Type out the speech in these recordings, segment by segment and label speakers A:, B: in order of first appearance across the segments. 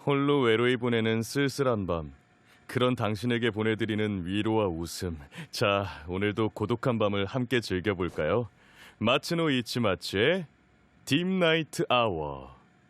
A: 홀로 외로이 보내는 쓸쓸한 밤. 그런 당신에게 보내드리는 위로와 웃음. 자, 오늘도 고독한 밤을 함께 즐겨볼까요? 마츠노 이치마츠의 딥나이트 아워.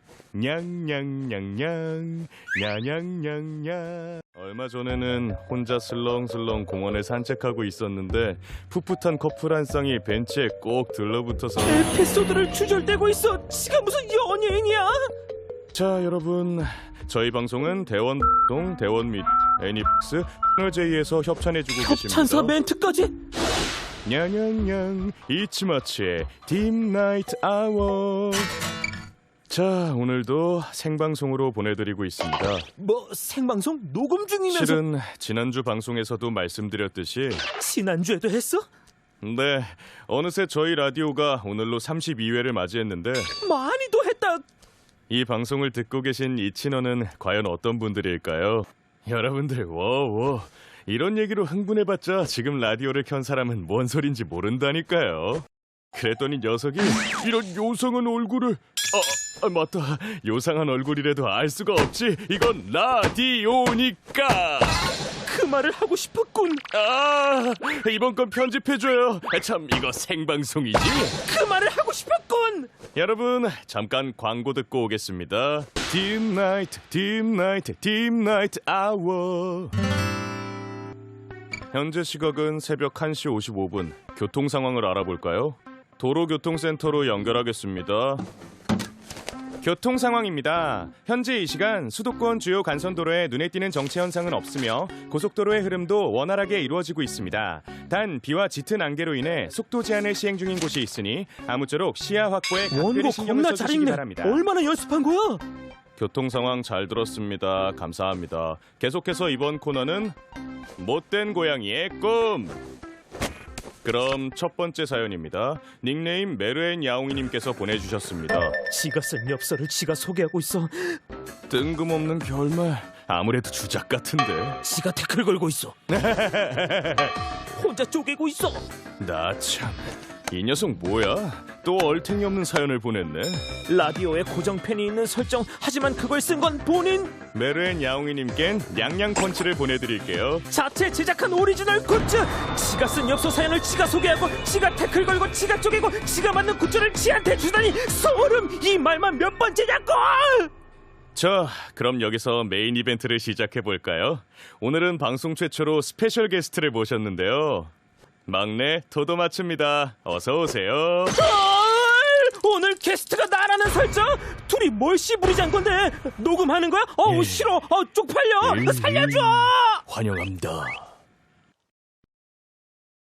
A: 냥냥냥냥 냐냥냥냥. 얼마 전에는 혼자 슬렁슬렁 공원을 산책하고 있었는데 풋풋한 커플 한 쌍이 벤치에 꼭 들러붙어서
B: 에피소드를 주절대고 있어. 지가 무슨 연예인이야?
A: 자, 여러분, 저희 방송은 대원동, 대원미, 애니박스, 채널J에서 협찬해주고 계십니다.
B: 협찬사 멘트까지?
A: 냥냥냥 이치마츠의 딥나이트 아워. 자, 오늘도 생방송으로 보내드리고 있습니다.
B: 뭐 생방송 녹음 중이면서?
A: 실은 지난주 방송에서도 말씀드렸듯이
B: 지난주에도 했어?
A: 네, 어느새 저희 라디오가 오늘로 32회를 맞이했는데
B: 많이도 했다.
A: 이 방송을 듣고 계신 이친원은 과연 어떤 분들일까요? 여러분들, 워워, 이런 얘기로 흥분해봤자 지금 라디오를 켠 사람은 뭔 소린지 모른다니까요. 그랬더니 녀석이 이런 요상한 얼굴을... 맞다, 요상한 얼굴이라도 알 수가 없지. 이건 라디오니까.
B: 그 말을 하고 싶었군.
A: 이번 건 편집해줘요. 참, 이거 생방송이지?
B: 그 말을 하고 싶었군.
A: 여러분, 잠깐 광고 듣고 오겠습니다. 딥나이트, 딥나이트, 딥나이트 아워. 현재 시각은 새벽 1시 55분. 교통 상황을 알아볼까요? 도로교통센터로 연결하겠습니다. 교통 상황입니다. 현재 이 시간 수도권 주요 간선도로에 눈에 띄는 정체 현상은 없으며 고속도로의 흐름도 원활하게 이루어지고 있습니다. 단 비와 짙은 안개로 인해 속도 제한을 시행 중인 곳이 있으니 아무쪼록 시야 확보에 각별히
B: 원고
A: 신경을
B: 겁나 잘
A: 써주시기
B: 읽네.
A: 바랍니다.
B: 얼마나 연습한 거야?
A: 교통 상황 잘 들었습니다. 감사합니다. 계속해서 이번 코너는 못된 고양이의 꿈. 그럼 첫 번째 사연입니다. 닉네임 메르엔 야옹이님께서 보내주셨습니다.
B: 지가 쓴 엽서를 지가 소개하고 있어.
A: 뜬금없는 결말. 아무래도 주작 같은데.
B: 지가 태클 걸고 있어. 혼자 쪼개고 있어.
A: 나 참, 이 녀석 뭐야? 또 얼탱이 없는 사연을 보냈네.
B: 라디오에 고정팬이 있는 설정. 하지만 그걸 쓴 건 본인.
A: 메르엔 야옹이님껜 냥냥펀치를 보내드릴게요.
B: 자체 제작한 오리지널 굿즈. 지가 쓴 엽서 사연을 지가 소개하고 지가 태클 걸고 지가 쪼개고 지가 만든 굿즈를 지한테 주다니 소름. 이 말만 몇 번째냐고.
A: 자, 그럼 여기서 메인 이벤트를 시작해볼까요? 오늘은 방송 최초로 스페셜 게스트를 모셨는데요. 막내 도도마츠입니다. 어서오세요.
B: 오늘 게스트가 나라는 설정? 둘이 뭘 씨부리잔 건데? 녹음하는 거야? 싫어. 쪽팔려. 살려줘.
A: 환영합니다.